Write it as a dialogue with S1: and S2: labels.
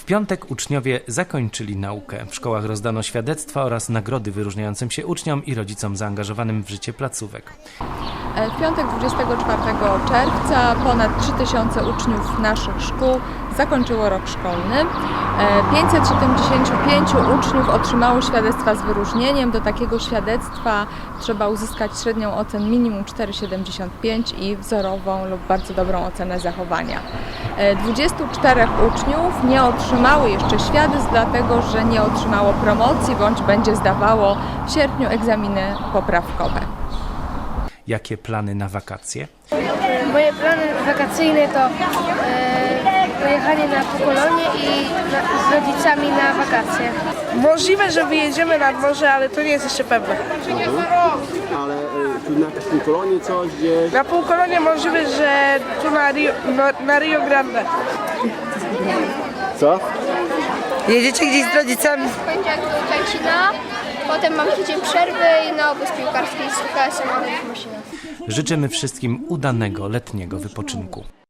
S1: W piątek uczniowie zakończyli naukę. W szkołach rozdano świadectwa oraz nagrody wyróżniającym się uczniom i rodzicom zaangażowanym w życie placówek.
S2: W piątek 24 czerwca ponad 3000 uczniów naszych szkół zakończyło rok szkolny. 575 uczniów otrzymało świadectwa z wyróżnieniem. Do takiego świadectwa trzeba uzyskać średnią ocenę minimum 4,75 i wzorową lub bardzo dobrą ocenę zachowania. 24 uczniów nie otrzymało jeszcze świadectw, dlatego że nie otrzymało promocji bądź będzie zdawało w sierpniu egzaminy poprawkowe.
S1: Jakie plany na wakacje?
S3: Moje plany wakacyjne to pojechanie na Półkolonie i z rodzicami na wakacje.
S4: Możliwe, że wyjedziemy nad morze, ale to nie jest jeszcze pewne.
S5: Ale tu na Półkolonie coś gdzieś?
S4: Na Półkolonie możliwe, że tu na Rio Grande.
S5: Co?
S4: Jedziecie gdzieś z rodzicami?
S6: W poniedziałek do Czajcina, potem mam tydzień przerwy i na obóz piłkarski z UKS-em, ale w Mosina.
S1: Życzymy wszystkim udanego letniego wypoczynku.